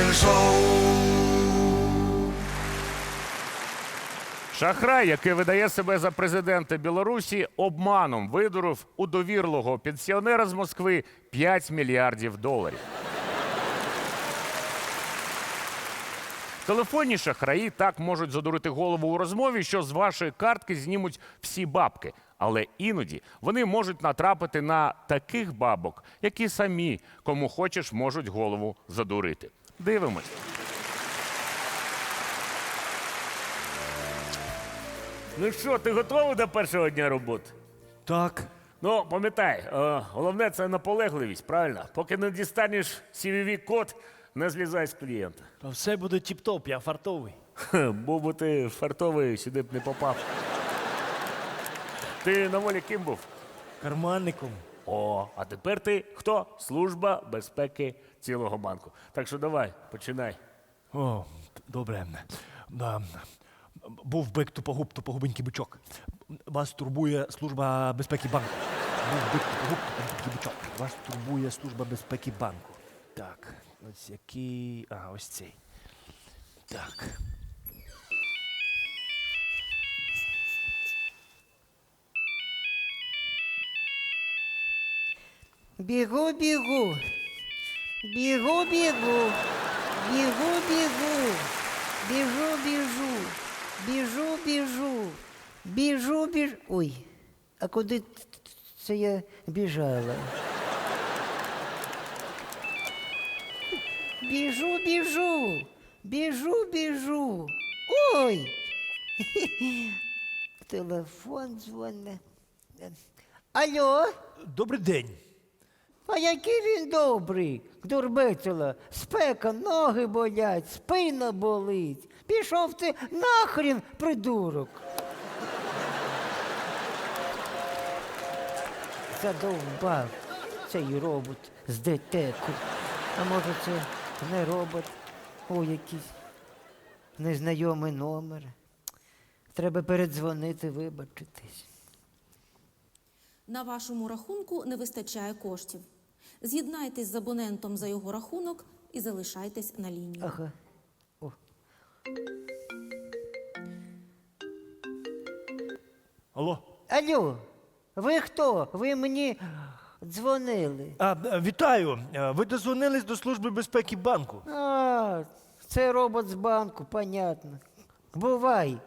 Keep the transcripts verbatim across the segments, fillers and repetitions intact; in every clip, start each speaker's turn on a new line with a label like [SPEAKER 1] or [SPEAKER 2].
[SPEAKER 1] Шахрай, який видає себе за президента Білорусі, обманом видурив у довірливого пенсіонера з Москви п'ять мільярдів доларів. Телефонні шахраї так можуть задурити голову у розмові, що з вашої картки знімуть всі бабки. Але іноді вони можуть натрапити на таких бабок, які самі, кому хочеш, можуть голову задурити. Дивимось.
[SPEAKER 2] Ну що, ти готовий до першого дня роботи?
[SPEAKER 3] Так.
[SPEAKER 2] Ну, пам'ятай, е, головне це наполегливість, правильно? Поки не дістанеш сі ві ві-код, не злізай з клієнта.
[SPEAKER 3] Та все буде тіп-топ, я фартовий.
[SPEAKER 2] Хе, був би ти фартовий, сюди б не попав. Ти на волі ким був?
[SPEAKER 3] Карманником.
[SPEAKER 2] О, а тепер ти хто? Служба безпеки цілого банку. Так що давай, починай.
[SPEAKER 3] О, добре. Да. Був бик тупогуб, тупогубенький бичок. Вас турбує служба безпеки банку. Був бик тупогуб, тупогубенький бичок. Вас турбує служба безпеки банку. Так, ось який. А, ось цей. Так.
[SPEAKER 4] Бігу, бігу, бігу, бігу, бігу, бігу, біжу, біжу, біжу, біжу, біжу, біжу. Ой, а куди це я біжала? Біжу, біжу, біжу, біжу. Ой! Телефон дзвоне. Алло?
[SPEAKER 3] Добрий день.
[SPEAKER 4] А який він добрий, дурбецела. Спека, ноги болять, спина болить. Пішов ти нахрін, придурок. Задовбав цей робот з детеку. А може це не робот, о, якийсь незнайомий номер. Треба передзвонити, вибачитись.
[SPEAKER 5] На вашому рахунку не вистачає коштів. З'єднайтесь з абонентом за його рахунок і залишайтесь на лінії.
[SPEAKER 4] Ага. О.
[SPEAKER 3] Алло.
[SPEAKER 4] Алло, ви хто? Ви мені дзвонили.
[SPEAKER 3] А, е, вітаю. Е, Ви дозвонились до служби безпеки банку.
[SPEAKER 4] А, це робот з банку, понятно. Бувай.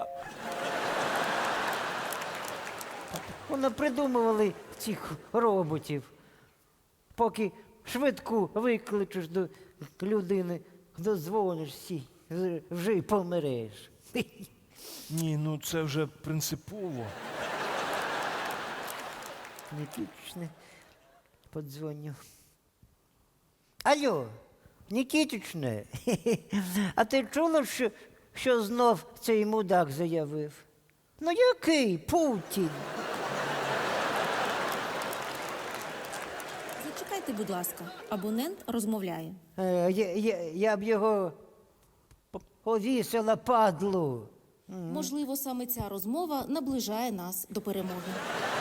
[SPEAKER 4] Вони придумували цих роботів. Поки швидку викличеш до людини, дозвонишся, вже й помреш.
[SPEAKER 3] Ні, ну це вже принципово.
[SPEAKER 4] Нікітичне, подзвоню. Алло, Нікітичне, а ти чула, що, що знов цей мудак заявив? Ну який Путін?
[SPEAKER 5] Зачекайте, будь ласка, абонент розмовляє.
[SPEAKER 4] Е, я, я, я б його п- повісила, падлу.
[SPEAKER 5] Можливо, саме ця розмова наближає нас до перемоги.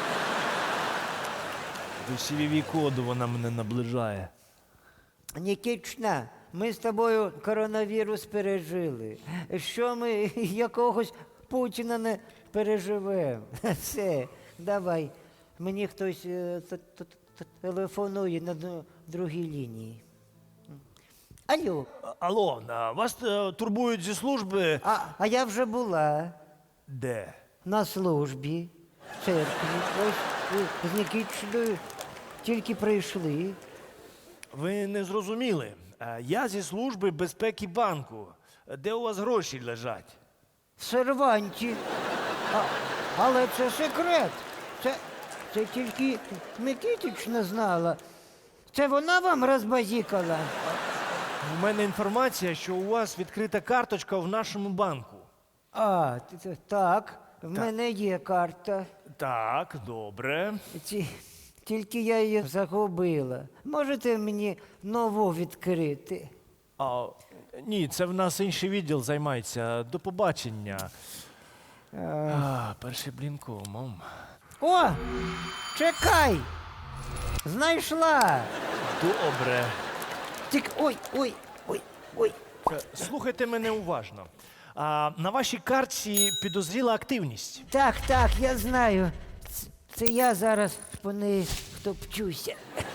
[SPEAKER 3] До сі ві ві-коду вона мене наближає.
[SPEAKER 4] Нікічна, ми з тобою коронавірус пережили. Що ми якогось Путіна не переживемо? Все, давай. Мені хтось е, т- т- т- телефонує на д- другій лінії. Алло,
[SPEAKER 3] А- Алло, а вас е, турбують зі служби.
[SPEAKER 4] а, а я вже була
[SPEAKER 3] Де?
[SPEAKER 4] на службі в церкві. Ось е, з Нікічною тільки прийшли.
[SPEAKER 3] Ви не зрозуміли. Е, Я зі служби безпеки банку. Де у вас гроші лежать?
[SPEAKER 4] В серванті. А, але це секрет. Це, це тільки Микитична знала. Це вона вам розбазікала?
[SPEAKER 3] У мене інформація, що у вас відкрита карточка в нашому банку.
[SPEAKER 4] А, т- т- так, в мене є карта.
[SPEAKER 3] Так, добре.
[SPEAKER 4] Ці, тільки я її загубила. Можете мені нову відкрити?
[SPEAKER 3] А, ні, це в нас інший відділ займається. До побачення. А, перший блінкомом.
[SPEAKER 4] О! Чекай! Знайшла!
[SPEAKER 3] Добре.
[SPEAKER 4] Тільки ой, ой, ой. Ой,
[SPEAKER 3] Е, Слухайте мене уважно. А, на вашій картці підозріла активність.
[SPEAKER 4] так, так, я знаю. Ц- Це я зараз по неї втопчуся.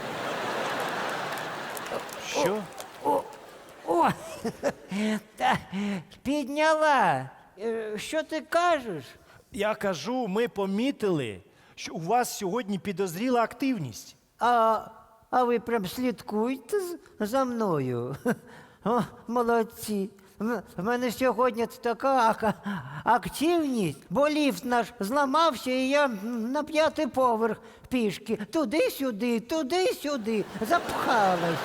[SPEAKER 3] Що?
[SPEAKER 4] О, о, та, підняла. Е, Що ти кажеш?
[SPEAKER 3] Я кажу, ми помітили, що у вас сьогодні підозріла активність.
[SPEAKER 4] А, а ви прям слідкуйте з- за мною. О, молодці. В в мене сьогодні така ака- активність, бо ліфт наш зламався, і я на п'ятий поверх пішки. Туди-сюди, туди-сюди. Запхалась.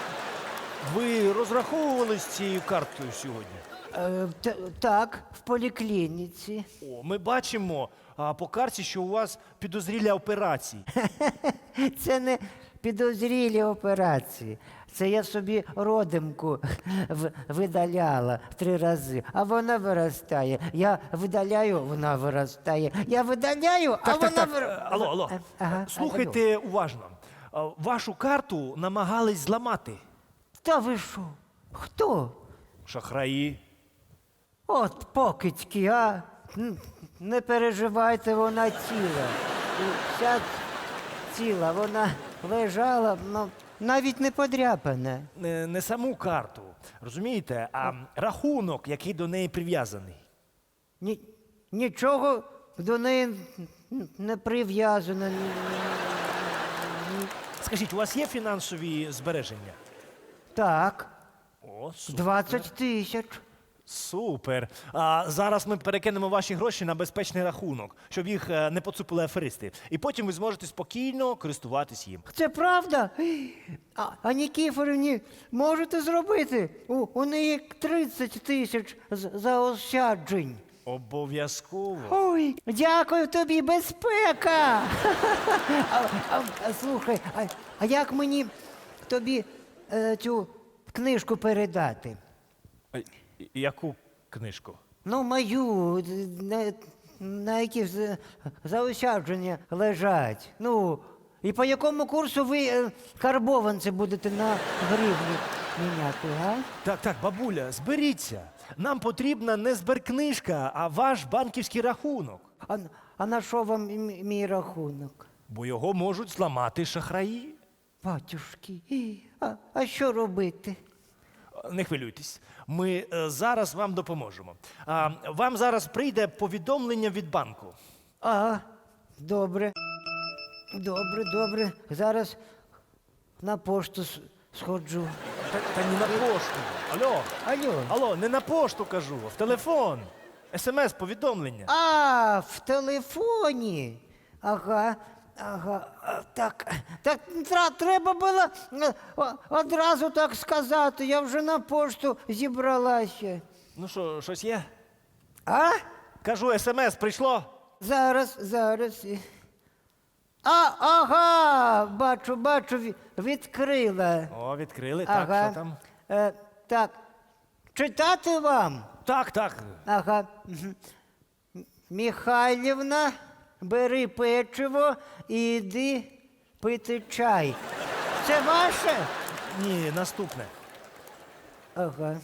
[SPEAKER 3] Ви розраховували з цією карткою сьогодні?
[SPEAKER 4] Е, т- так, в поліклініці.
[SPEAKER 3] О, ми бачимо а, по карті, що у вас підозрілі операції.
[SPEAKER 4] Це не підозрілі операції. Це я собі родимку в- видаляла три рази, а вона виростає. Я видаляю, вона виростає. Я видаляю, а
[SPEAKER 3] Так, так,
[SPEAKER 4] вона
[SPEAKER 3] так.
[SPEAKER 4] вир...
[SPEAKER 3] Е, Алло, алло.
[SPEAKER 4] Е, ага,
[SPEAKER 3] Слухайте уважно. А, Вашу карту намагались зламати
[SPEAKER 4] Та ви що? Хто?
[SPEAKER 3] шахраї.
[SPEAKER 4] От покидьки, а? Н- Не переживайте, вона ціла. І Вся ціла, вона лежала, ну, навіть не подряпана.
[SPEAKER 3] Не, не саму карту, розумієте, а рахунок, який до неї прив'язаний.
[SPEAKER 4] Ні, нічого до неї н- не прив'язано. Ні- ні-
[SPEAKER 3] Скажіть, у вас є фінансові збереження?
[SPEAKER 4] Так,
[SPEAKER 3] О, супер.
[SPEAKER 4] двадцять тисяч.
[SPEAKER 3] Супер. А зараз ми перекинемо ваші гроші на безпечний рахунок, щоб їх е, не поцупили аферисти. І потім ви зможете спокійно користуватись їм.
[SPEAKER 4] Це правда? А, а Нікіфорівні можете зробити? У, у неї тридцять тисяч з- заощаджень.
[SPEAKER 3] Обов'язково.
[SPEAKER 4] Ой, дякую тобі, безпека. А, а, а, слухай, а, а як мені тобі е, цю книжку передати?
[SPEAKER 3] А, і- Яку книжку?
[SPEAKER 4] Ну, мою, д- на, на які з- заощадження лежать. Ну, і по якому курсу ви е, карбованці будете на гривні міняти, га?
[SPEAKER 3] Так, так, бабуля, зберіться. Нам потрібна не зберкнижка, а ваш банківський рахунок.
[SPEAKER 4] А, а на що вам м- мій рахунок?
[SPEAKER 3] Бо його можуть зламати шахраї.
[SPEAKER 4] Батюшки, а, а що робити?
[SPEAKER 3] Не хвилюйтесь, ми е, зараз вам допоможемо. А, вам зараз прийде повідомлення від банку.
[SPEAKER 4] А, добре. Добре, добре. Зараз на пошту с- сходжу.
[SPEAKER 3] Та, та не на пошту. Алло,
[SPEAKER 4] Алло.
[SPEAKER 3] алло, не на пошту кажу, а в телефон. Смс-повідомлення.
[SPEAKER 4] А, в телефоні. Ага, ага. а, Так, так тра- треба було е, о- одразу так сказати. Я вже на пошту зібралася.
[SPEAKER 3] Ну що, щось є?
[SPEAKER 4] А?
[SPEAKER 3] Кажу, смс прийшло.
[SPEAKER 4] Зараз, зараз. А, ага, бачу, бачу, ві- відкрила.
[SPEAKER 3] О, відкрили, так,
[SPEAKER 4] Ага.
[SPEAKER 3] що там?
[SPEAKER 4] Е, так. Читати вам?
[SPEAKER 3] Так, так.
[SPEAKER 4] Ага. Мгм. Михайлівна, бери печиво і йди пити чай. Це ваше?
[SPEAKER 3] Ні, наступне.
[SPEAKER 4] Ага.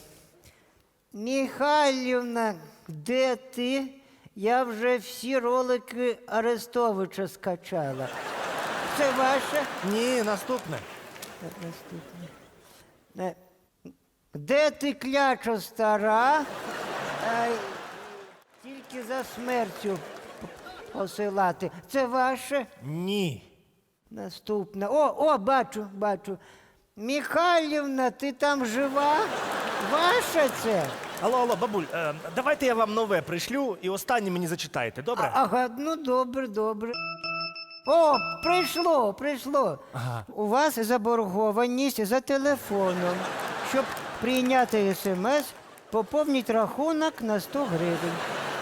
[SPEAKER 4] Михайлівна, де ти? Я вже всі ролики Арестовича скачала. Це ваше?
[SPEAKER 3] Ні, наступне.
[SPEAKER 4] Так, наступне. Е, Де ти, кляча стара? Ай, тільки за смертю п- посилати. Це ваше?
[SPEAKER 3] Ні.
[SPEAKER 4] Наступне. О, о, бачу, бачу. Михайлівна, ти там жива? Ваше це?
[SPEAKER 3] Алло, алло, бабуль, е, давайте я вам нове пришлю і останнє мені зачитаєте, добре?
[SPEAKER 4] А- Ага, ну добре, добре. О, прийшло, прийшло. У вас заборгованість за телефоном. Щоб прийняти смс, поповніть рахунок на сто гривень.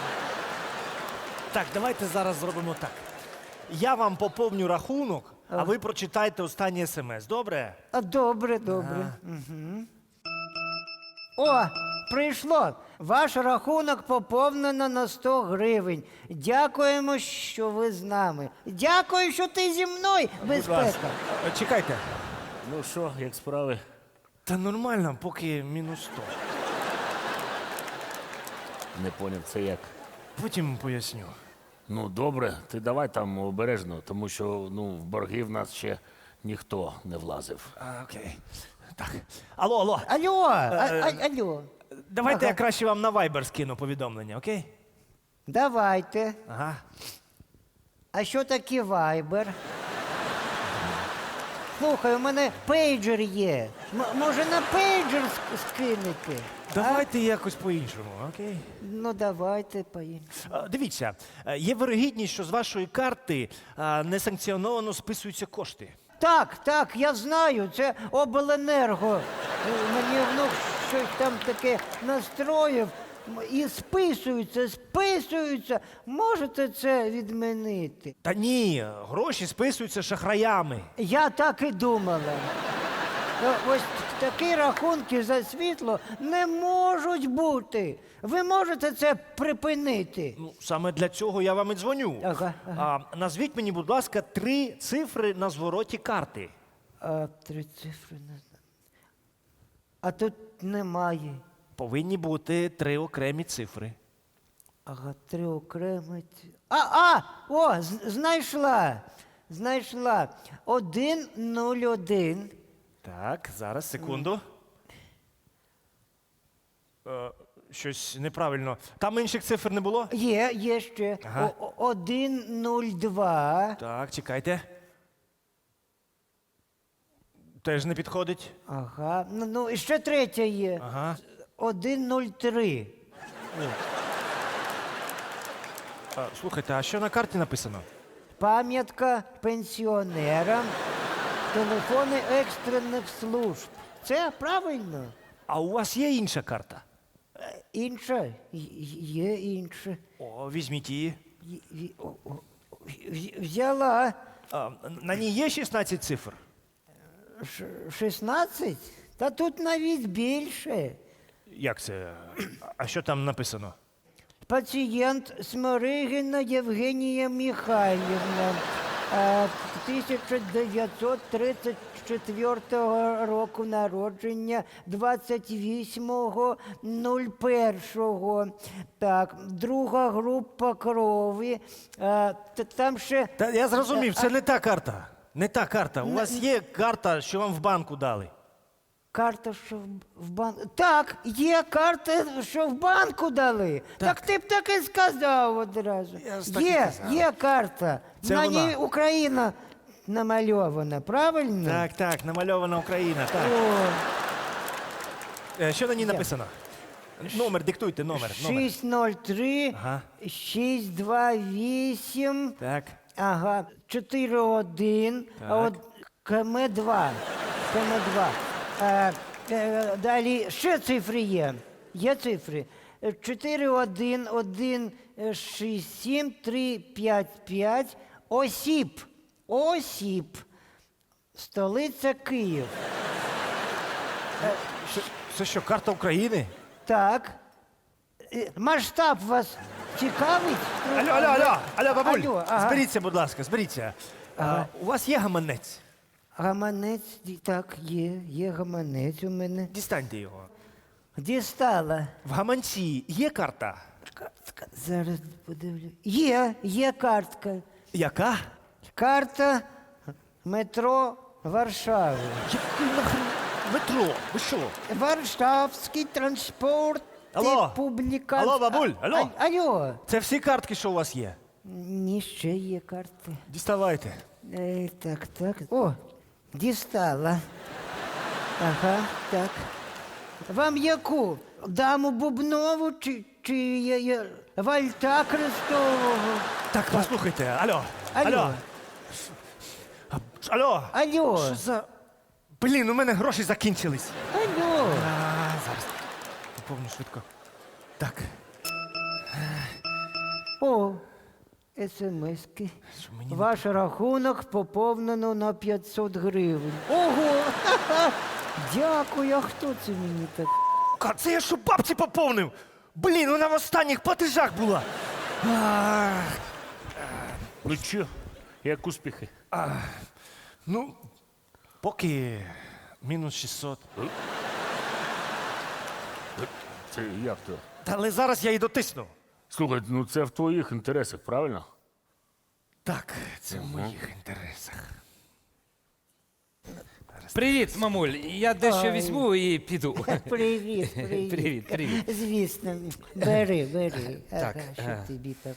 [SPEAKER 3] Так, давайте зараз зробимо так. Я вам поповню рахунок, а ви прочитайте останнє смс, добре?
[SPEAKER 4] А, добре, добре. Угу. О, прийшло. Ваш рахунок поповнено на сто гривень. Дякуємо, що ви з нами. Дякую, що ти зі мною, безпека.
[SPEAKER 3] Е, Чекайте.
[SPEAKER 2] Ну що, як справи?
[SPEAKER 3] Та нормально, поки мінус сто.
[SPEAKER 2] Не поняв, це як.
[SPEAKER 3] Потім поясню.
[SPEAKER 2] Ну, добре, ти давай там обережно, тому що ну, в борги в нас ще ніхто не влазив.
[SPEAKER 3] А, окей. Так. Алло, алло.
[SPEAKER 4] Алло, а, а, алло.
[SPEAKER 3] Давайте
[SPEAKER 4] Ага.
[SPEAKER 3] я краще вам на Viber скину повідомлення, окей?
[SPEAKER 4] Давайте.
[SPEAKER 3] Ага.
[SPEAKER 4] А що таке вайбер? Слухай, у мене пейджер є. М- може на пейджер ск- скинете?
[SPEAKER 3] Давайте якось по-іншому, окей?
[SPEAKER 4] Ну, давайте поїм.
[SPEAKER 3] А, Дивіться, е, є вирогідність, що з вашої карти а, несанкціоновано списуються кошти.
[SPEAKER 4] Так, так, я знаю, це обленерго. Е, Мені внук щось там таке настроїв. М, І списуються, списуються. Можете це відмінити?
[SPEAKER 3] Та ні, гроші списуються шахраями.
[SPEAKER 4] Я так і думала. Е, Ось такі рахунки за світло не можуть бути. Ви можете це припинити.
[SPEAKER 3] Ну, саме для цього я вам і дзвоню.
[SPEAKER 4] Ага,
[SPEAKER 3] А, назвіть мені, будь ласка, три цифри на звороті карти.
[SPEAKER 4] А три цифри не знаю. А тут немає.
[SPEAKER 3] Повинні бути три окремі цифри.
[SPEAKER 4] Ага, три окремі. ці- А, а! О, з- знайшла. Знайшла. Один, нуль, один.
[SPEAKER 3] Так, зараз, секунду. Е, щось неправильно. Там інших цифр не було?
[SPEAKER 4] Є, є ще.
[SPEAKER 3] Ага.
[SPEAKER 4] О- о- Один, нуль, два.
[SPEAKER 3] Так, чекайте. Теж не підходить.
[SPEAKER 4] Ага. Ну, ну і ще третя є.
[SPEAKER 3] Ага.
[SPEAKER 4] Один, нуль, три.
[SPEAKER 3] А, слухайте, а що на карті написано?
[SPEAKER 4] Пам'ятка пенсіонерам. Телефони екстрених служб. Це правильно?
[SPEAKER 3] А у вас є інша карта?
[SPEAKER 4] Інша? Й- Є інша.
[SPEAKER 3] О, візьміть її.
[SPEAKER 4] Й- й- о- о, вз- Взяла.
[SPEAKER 3] А, на ній є шістнадцять цифр?
[SPEAKER 4] Ш- шістнадцять? Та тут навіть більше.
[SPEAKER 3] Як це? А що там написано?
[SPEAKER 4] Пацієнт Сморигіна Євгенія Михайлівна, е, тисяча дев'ятсот тридцять четвертого року народження, двадцять восьмого першого. Так, друга група крові. Е, т- Там ще
[SPEAKER 3] Та я зрозумів, це не та карта. Не та карта. У вас є карта, що вам в банку дали.
[SPEAKER 4] карта, що в- в банку. Так, є карта, що в банку дали. Так, ти б так і сказав одразу.
[SPEAKER 3] Я ж так і
[SPEAKER 4] Є,
[SPEAKER 3] казав.
[SPEAKER 4] є карта.
[SPEAKER 3] Це
[SPEAKER 4] На
[SPEAKER 3] вона.
[SPEAKER 4] ній Україна намальована, правильно?
[SPEAKER 3] Так, так, намальована Україна. Так.
[SPEAKER 4] О,
[SPEAKER 3] Е, Що на ній написано? Номер, диктуйте, номер. номер.
[SPEAKER 4] шість ноль три,
[SPEAKER 3] Ага.
[SPEAKER 4] шість два вісім,
[SPEAKER 3] Так.
[SPEAKER 4] ага, чотири один, а
[SPEAKER 3] Так.
[SPEAKER 4] от КМ два. КМ два. Е, е, далі ще цифри є. Є цифри. Е, чотири один один шість сім три п'ять п'ять. Осіп. Осіп. Столиця Київ.
[SPEAKER 3] Що- Це що, карта України?
[SPEAKER 4] Так. Е, Масштаб вас цікавить?
[SPEAKER 3] Алло, алло, алло, алло, бабуль,
[SPEAKER 4] Алло, ага.
[SPEAKER 3] зберіться, будь ласка, зберіться. А, у вас є гаманець?
[SPEAKER 4] Гаманець, ді- так, є, є гаманець у мене.
[SPEAKER 3] Дістаньте його.
[SPEAKER 4] Дістала.
[SPEAKER 3] В гаманці є карта?
[SPEAKER 4] Картка, зараз подивлю. Є, є картка.
[SPEAKER 3] Яка?
[SPEAKER 4] Карта метро Варшави.
[SPEAKER 3] Який нахрен метро? Ви що?
[SPEAKER 4] Варшавський транспорт.
[SPEAKER 3] Алло.
[SPEAKER 4] Публікація.
[SPEAKER 3] Алло, бабуль, алло.
[SPEAKER 4] А, алло.
[SPEAKER 3] Це всі картки, що у вас є?
[SPEAKER 4] Ні, ще є карти.
[SPEAKER 3] Діставайте.
[SPEAKER 4] Е, так, так. О, дістала. Ага, так. Вам яку? Даму Бубнову чи, чи є, є Вальта Христового?
[SPEAKER 3] Так, послухайте, алло,
[SPEAKER 4] Алло.
[SPEAKER 3] алло. Алло.
[SPEAKER 4] Алло.
[SPEAKER 3] Що за... Блін, у мене гроші закінчились.
[SPEAKER 4] Алло.
[SPEAKER 3] А, зараз. Поповню швидко. Так.
[SPEAKER 4] О, смски.
[SPEAKER 3] Що мені не-
[SPEAKER 4] Ваш рахунок поповнено на п'ятсот гривень. Ого! Ха-ха. Дякую, а хто це мені так?
[SPEAKER 3] Ка, це я що бабці поповнив? Блін, вона в останніх платежах була. А,
[SPEAKER 2] Ну що, як успіхи?
[SPEAKER 3] ну, поки мінус шістсот.
[SPEAKER 2] Це як то?
[SPEAKER 3] Та але зараз я і дотисну.
[SPEAKER 2] Слухай, ну це в твоїх інтересах, правильно?
[SPEAKER 3] Так, це в моїх інтересах.
[SPEAKER 6] Привіт, мамуль. Я дещо
[SPEAKER 4] Ой.
[SPEAKER 6] візьму і піду.
[SPEAKER 4] Привіт, привіт.
[SPEAKER 6] Привіт, привіт.
[SPEAKER 4] Звісно, бери, бери.
[SPEAKER 6] Так,
[SPEAKER 4] Ага, що
[SPEAKER 6] ага.
[SPEAKER 4] тобі так.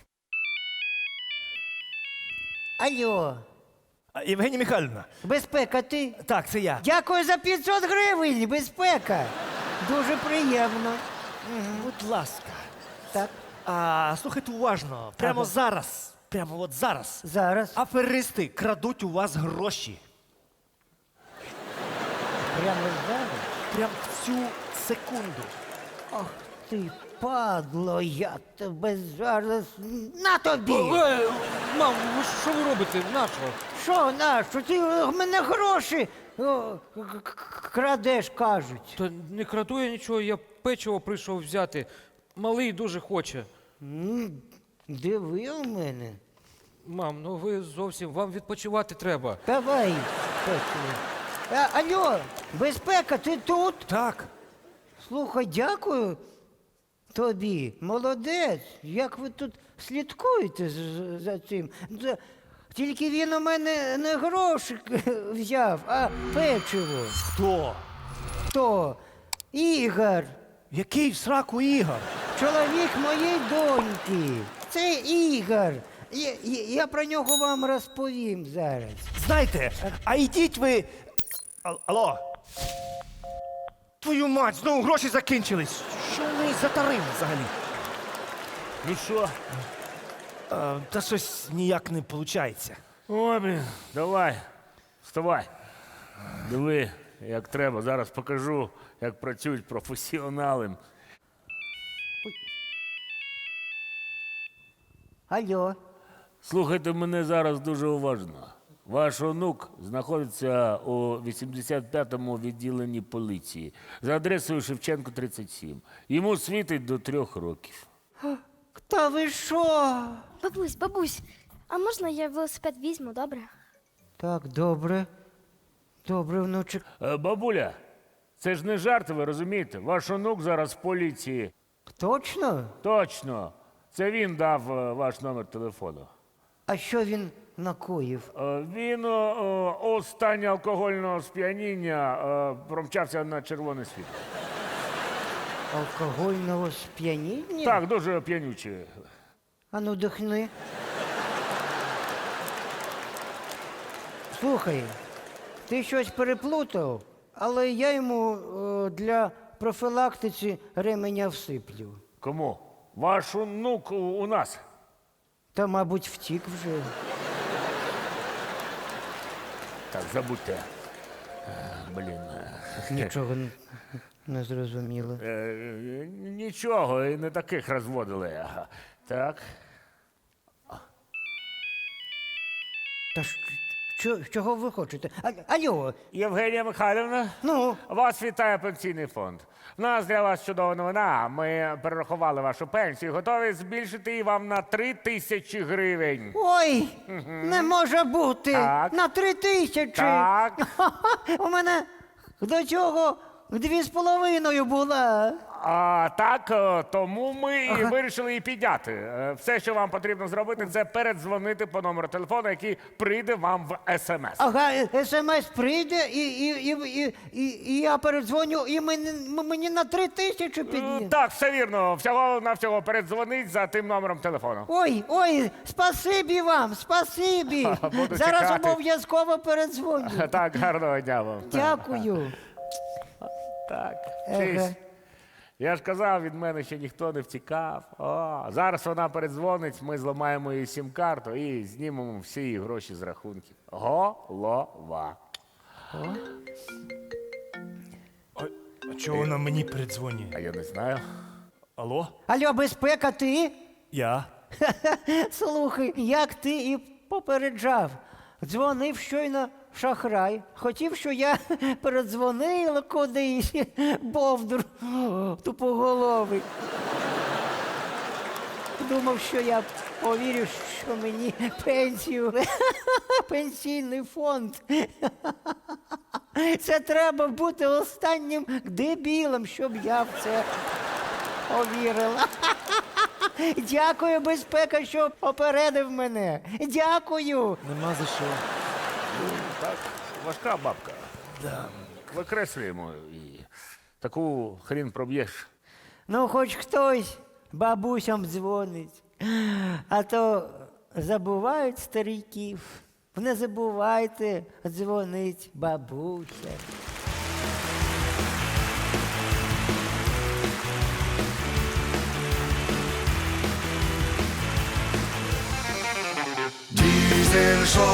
[SPEAKER 4] Алло,
[SPEAKER 3] А, Євгенія Михайлівна,
[SPEAKER 4] безпека, ти?
[SPEAKER 3] так, це я.
[SPEAKER 4] Дякую за п'ятсот гривень, безпека. Дуже приємно.
[SPEAKER 3] Будь ласка.
[SPEAKER 4] Так,
[SPEAKER 3] А, слухайте уважно. Прямо
[SPEAKER 4] Ага.
[SPEAKER 3] зараз, прямо от зараз.
[SPEAKER 4] зараз.
[SPEAKER 3] Аферисти крадуть у вас гроші.
[SPEAKER 4] Прямо зараз.
[SPEAKER 3] Прямо в цю секунду.
[SPEAKER 4] Ах ти, падло, я тебе зараз. На тобі!
[SPEAKER 6] Е, Мам, ви що ви робите? Нащо?
[SPEAKER 4] Що, нащо? Ти в мене гроші о, к- к- крадеш, кажуть.
[SPEAKER 6] Та не краду я нічого, я печиво прийшов взяти. Малий дуже хоче.
[SPEAKER 4] М, Диви у мене.
[SPEAKER 6] Мам, ну ви зовсім вам відпочивати треба.
[SPEAKER 4] Давай, Петро. А, алло, безпека, ти тут?
[SPEAKER 3] Так.
[SPEAKER 4] Слухай, дякую тобі. Молодець. Як ви тут слідкуєте з- за цим? Це- Тільки він у мене не гроші взяв, а печиво.
[SPEAKER 3] Хто?
[SPEAKER 4] Хто? Ігор.
[SPEAKER 3] Який в сраку Ігор?
[SPEAKER 4] Чоловік моєї доньки. Це Ігор. Я, я, я про нього вам розповім зараз.
[SPEAKER 3] Знаєте, а йдіть ви. Ал- Алло. Твою мать, знову гроші закінчились. Що вони за тариф взагалі?
[SPEAKER 2] Ну що?
[SPEAKER 3] А, та щось ніяк не виходить.
[SPEAKER 2] Ой, блін, давай, вставай. Диви, як треба. Зараз покажу, як працюють професіонали.
[SPEAKER 4] Алло.
[SPEAKER 2] Слухайте мене зараз дуже уважно. Ваш онук знаходиться у вісімдесят п'ятому відділенні поліції за адресою Шевченко, тридцять сім. Йому світить до трьох років.
[SPEAKER 4] Та ви що?
[SPEAKER 7] Бабусь, бабусь, а можна я велосипед візьму, добре?
[SPEAKER 4] Так, добре. Добре, внучик.
[SPEAKER 2] Е, Бабуля, це ж не жарти, ви розумієте? Ваш онук зараз в поліції.
[SPEAKER 4] Точно?
[SPEAKER 2] Точно. Це він дав е, ваш номер телефону.
[SPEAKER 4] А що він накоїв?
[SPEAKER 2] Е, Він е, у стані алкогольного сп'яніння е, промчався на червоне світло.
[SPEAKER 4] Алкогольного сп'яніння?
[SPEAKER 2] Так, дуже п'янючий.
[SPEAKER 4] А ну дихни. Слухай, ти щось переплутав, але я йому е, для профілактиці ременя всиплю.
[SPEAKER 2] Кому? Ваш онук у, у нас.
[SPEAKER 4] Та, мабуть, втік вже.
[SPEAKER 2] Так, забудьте. Е, Блін. е,
[SPEAKER 4] Нічого н- не зрозуміло.
[SPEAKER 2] е, е, Нічого, і не таких розводили. Ага. Так.
[SPEAKER 4] Та ж, що, чого ви хочете? А, алло,
[SPEAKER 2] Євгенія Михайлівна,
[SPEAKER 4] ну,
[SPEAKER 2] вас вітає пенсійний фонд. У нас для вас чудова новина. Ми перерахували вашу пенсію, готові збільшити її вам на три тисячі гривень.
[SPEAKER 4] ой, не може бути.
[SPEAKER 2] Так.
[SPEAKER 4] На три тисячі.
[SPEAKER 2] Так.
[SPEAKER 4] У мене до цього дві з половиною була.
[SPEAKER 2] А, так, е, тому ми і вирішили її підняти. Е, Все, що вам потрібно зробити, це передзвонити по номеру телефону, який прийде вам в смс.
[SPEAKER 4] Ага, смс прийде, і, і, і, і, і, і я передзвоню, і мені, мені на три тисячі
[SPEAKER 2] Е,
[SPEAKER 4] підні.
[SPEAKER 2] Так, все вірно. Всього навсього передзвонить за тим номером телефону.
[SPEAKER 4] Ой, ой, спасибі вам, спасибі.
[SPEAKER 2] Буду
[SPEAKER 4] Зараз
[SPEAKER 2] чекати.
[SPEAKER 4] обов'язково передзвоню.
[SPEAKER 2] Так, гарного дня вам.
[SPEAKER 4] Дякую.
[SPEAKER 2] Так,
[SPEAKER 4] Ага.
[SPEAKER 2] чись. Я ж казав, від мене ще ніхто не втікав. О, зараз вона передзвонить, ми зламаємо її сім-карту і знімемо всі її гроші з рахунків. Голова.
[SPEAKER 3] А чого вона мені передзвонює?
[SPEAKER 2] А я не знаю.
[SPEAKER 3] Алло?
[SPEAKER 4] Алло, безпека, ти?
[SPEAKER 3] Я?
[SPEAKER 4] Слухай, як ти і попереджав. Дзвонив щойно шахрай. Хотів, що я передзвонила кудись, бовдур тупоголовий. думав, що я повірю, що мені пенсію, пенсійний фонд. Це треба бути останнім дебілом, щоб я в це повірила. Дякую, безпека, що попередив мене. Дякую.
[SPEAKER 3] Нема за що.
[SPEAKER 1] Так, важка бабка. Да. Викреслюємо її. Таку хрін проб'єш.
[SPEAKER 4] Ну, хоч хтось бабусям дзвонить. А то забувають стариків. Не забувайте дзвонить бабуся.
[SPEAKER 8] Diesel Show.